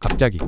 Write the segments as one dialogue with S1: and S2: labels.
S1: 갑자기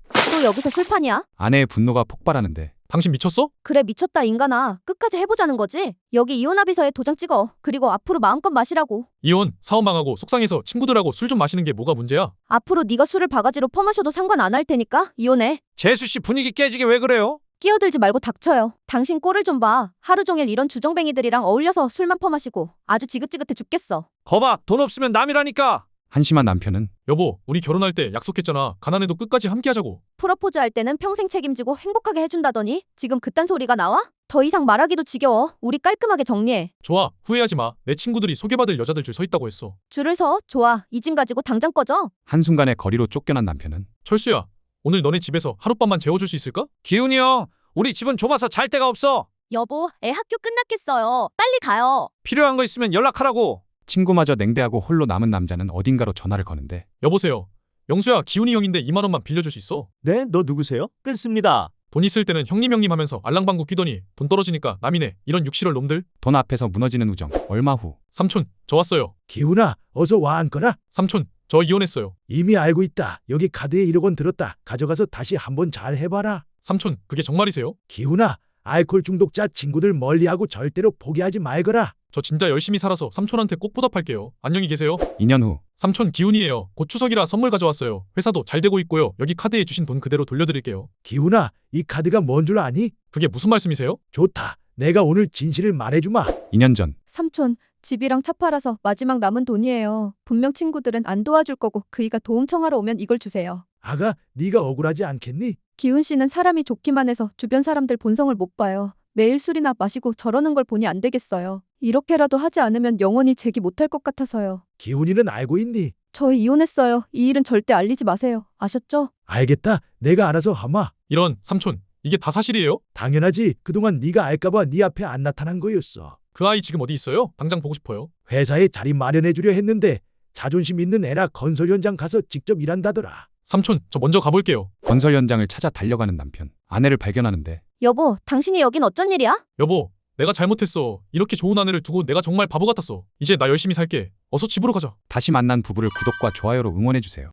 S2: 또 여기서 술판이야?
S1: 아내의 분노가 폭발하는데
S3: 당신 미쳤어?
S2: 그래 미쳤다 인간아. 끝까지 해보자는 거지? 여기 이혼합의서에 도장 찍어. 그리고 앞으로 마음껏 마시라고.
S3: 이혼, 사업 망하고 속상해서 친구들하고 술 좀 마시는 게 뭐가 문제야?
S2: 앞으로 네가 술을 바가지로 퍼마셔도 상관 안 할 테니까 이혼해.
S4: 재수씨 분위기 깨지게 왜 그래요?
S2: 끼어들지 말고 닥쳐요. 당신 꼴을 좀 봐. 하루 종일 이런 주정뱅이들이랑 어울려서 술만 퍼마시고 아주 지긋지긋해 죽겠어.
S4: 거봐, 돈 없으면 남이라니까.
S1: 한심한 남편은
S3: 여보, 우리 결혼할 때 약속했잖아. 가난해도 끝까지 함께 하자고.
S2: 프로포즈 할 때는 평생 책임지고 행복하게 해준다더니 지금 그딴 소리가 나와? 더 이상 말하기도 지겨워. 우리 깔끔하게 정리해.
S3: 좋아, 후회하지 마. 내 친구들이 소개받을 여자들 줄 서 있다고 했어.
S2: 줄을 서. 좋아. 이 짐 가지고 당장 꺼져.
S1: 한순간에 거리로 쫓겨난 남편은
S3: 철수야, 오늘 너네 집에서 하룻밤만 재워줄 수 있을까?
S4: 기훈이 형, 우리 집은 좁아서 잘 데가 없어.
S2: 여보, 애 학교 끝났겠어요. 빨리 가요.
S4: 필요한 거 있으면 연락하라고.
S1: 친구마저 냉대하고 홀로 남은 남자는 어딘가로 전화를 거는데
S3: 여보세요. 영수야, 기훈이 형인데 2만 원만 빌려줄 수 있어?
S5: 네, 너 누구세요? 끊습니다.
S3: 돈 있을 때는 형님 하면서 알랑방구 끼더니 돈 떨어지니까 남이네. 이런 6, 7월 놈들.
S1: 돈 앞에서 무너지는 우정. 얼마 후
S3: 삼촌, 저 왔어요.
S6: 기훈아, 어서 와 앉거라.
S3: 삼촌, 저 이혼했어요.
S6: 이미 알고 있다. 여기 카드에 1억 원 들었다. 가져가서 다시 한번 잘 해봐라.
S3: 삼촌, 그게 정말이세요?
S6: 기훈아, 알코올 중독자 친구들 멀리하고 절대로 포기하지 말거라.
S3: 저 진짜 열심히 살아서 삼촌한테 꼭 보답할게요. 안녕히 계세요.
S1: 2년 후
S3: 삼촌 기훈이에요. 곧 추석이라 선물 가져왔어요. 회사도 잘 되고 있고요. 여기 카드에 주신 돈 그대로 돌려드릴게요.
S6: 기훈아, 이 카드가 뭔 줄 아니?
S3: 그게 무슨 말씀이세요?
S6: 좋다. 내가 오늘 진실을 말해주마.
S1: 2년 전
S2: 삼촌, 집이랑 차 팔아서 마지막 남은 돈이에요. 분명 친구들은 안 도와줄 거고 그이가 도움 청하러 오면 이걸 주세요.
S6: 아가, 네가 억울하지 않겠니?
S2: 기훈 씨는 사람이 좋기만 해서 주변 사람들 본성을 못 봐요. 매일 술이나 마시고 저러는 걸 보니 안 되겠어요. 이렇게라도 하지 않으면 영원히 재기 못할 것 같아서요.
S6: 기훈이는 알고 있니?
S2: 저희 이혼했어요. 이 일은 절대 알리지 마세요. 아셨죠?
S6: 알겠다. 내가 알아서 하마.
S3: 이런, 삼촌, 이게 다 사실이에요?
S6: 당연하지. 그동안 네가 알까봐 네 앞에 안 나타난 거였어.
S3: 그 아이 지금 어디 있어요? 당장 보고 싶어요.
S6: 회사에 자리 마련해주려 했는데 자존심 있는 애라 건설 현장 가서 직접 일한다더라.
S3: 삼촌, 저 먼저 가볼게요.
S1: 건설 현장을 찾아 달려가는 남편. 아내를 발견하는데
S2: 여보, 당신이 여긴 어쩐 일이야?
S3: 여보, 내가 잘못했어. 이렇게 좋은 아내를 두고 내가 정말 바보 같았어. 이제 나 열심히 살게. 어서 집으로 가자.
S1: 다시 만난 부부를 구독과 좋아요로 응원해주세요.